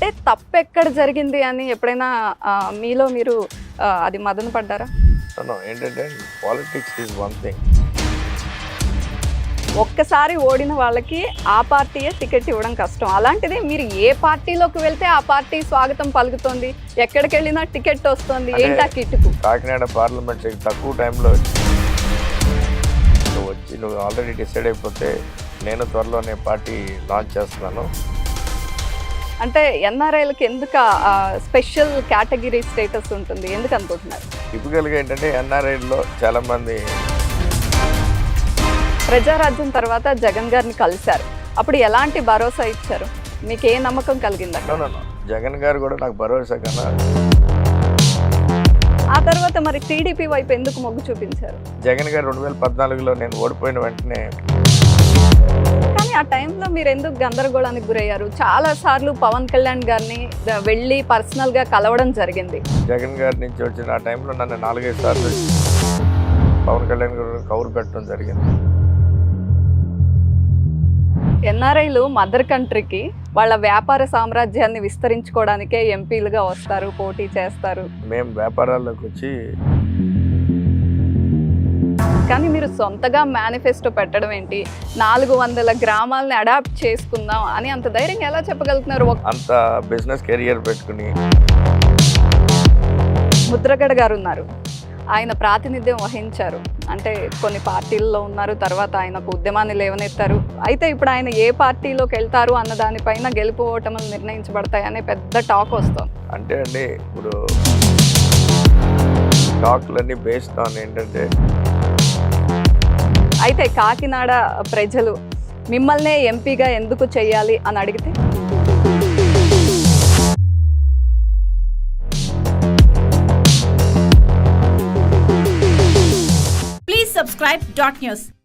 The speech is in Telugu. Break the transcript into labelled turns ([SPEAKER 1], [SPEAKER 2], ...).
[SPEAKER 1] అంటే తప్పు ఎక్కడ జరిగింది అని ఎప్పుడైనా మీలో మీరు అది మదన పడ్డారా?
[SPEAKER 2] ఏంటంటే పాలిటిక్స్ ఈజ్ వన్ థింగ్.
[SPEAKER 1] ఒక్కసారి ఓడిన వాళ్ళకి ఆ పార్టీయే టికెట్ ఇవ్వడం కష్టం. అలాంటిది మీరు ఏ పార్టీలోకి వెళ్తే ఆ పార్టీ స్వాగతం పలుకుతుంది, ఎక్కడికి వెళ్ళినా టికెట్ వస్తుంది. ఏంటి ఆ కిట్టుకు?
[SPEAKER 2] కాకినాడ పార్లమెంట్ తక్కువ టైంలో వచ్చి నువ్వు ఆల్రెడీ డిసైడ్ అయిపోతే నేను త్వరలోనే పార్టీ లాంచ్ చేస్తున్నాను.
[SPEAKER 1] అంటే ఎన్ఆర్ఐలకి ఎందుకు స్పెషల్ కేటగిరీ స్టేటస్ ఉంటుంది, ఎందుకు అనుకుంటున్నారు?
[SPEAKER 2] టిపికల్గా ఏంటంటే ఎన్ఆర్ఐలో చాలామంది
[SPEAKER 1] ప్రజారాజ్యం తర్వాత జగన్ గారిని కలిశారు. అప్పుడు ఎలాంటి భరోసా ఇచ్చారు? మీకు ఏ నమ్మకం కలిగిందా?
[SPEAKER 2] జగన్ గారు కూడా నాకు భరోసా కన్నా.
[SPEAKER 1] ఆ తర్వాత మరి టీడీపీ వైపు ఎందుకు మొగ్గు చూపించారు?
[SPEAKER 2] జగన్ గారు 2014లో నేను ఓడిపోయిన వెంటనే.
[SPEAKER 1] కానీ ఆ టైంలో మీరు ఎందుకు గందరగోళానికి గురయ్యారు? చాలా సార్లు పవన్ కళ్యాణ్ గారిని వెళ్ళి పర్సనల్గా కలవడం జరిగింది.
[SPEAKER 2] జగన్ గారి నుంచి వచ్చిన ఆ టైంలో నన్ను 4-5 సార్లు పవన్ కళ్యాణ్ గారు కౌరు పెట్టడం జరిగింది.
[SPEAKER 1] ఎన్ఆర్ఐలు మదర్ కంట్రీకి వాళ్ళ వ్యాపార సామ్రాజ్యాన్ని విస్తరించుకోవడానికే ఎంపీలుగా వస్తారు, పోటీ చేస్తారు.
[SPEAKER 2] మేము వ్యాపారాల్లోకి వచ్చి,
[SPEAKER 1] కానీ మీరు సొంతగా మేనిఫెస్టో పెట్టడం ఏంటి? 400 గ్రామాలని అడాప్ట్ చేసుకుందాం అని అంత ధైర్యంగా ఎలా చెప్పగలుగుతున్నారు?
[SPEAKER 2] అంత బిజినెస్ కెరియర్ పెట్టుకుని.
[SPEAKER 1] ముద్రగడ గారు ఉన్నారు, ఆయన ప్రాతినిధ్యం వహించారు. అంటే కొన్ని పార్టీల్లో ఉన్నారు, తర్వాత ఆయన ఒక ఉద్యమాన్ని లేవనెత్తారు. అయితే ఇప్పుడు ఆయన ఏ పార్టీలోకి వెళ్తారు అన్న దానిపైన గెలుపు ఓటములు నిర్ణయించబడతాయనే పెద్ద టాక్ వస్తుంది.
[SPEAKER 2] అంటే అండి ఇప్పుడు టాక్లన్నీ బేస్డ్ ఆన్ ఏంటంటే,
[SPEAKER 1] అయితే కాకినాడ ప్రజలు మిమ్మల్నే ఎంపీగా ఎందుకు చేయాలి అని అడిగితే
[SPEAKER 3] Please subscribe Dot News.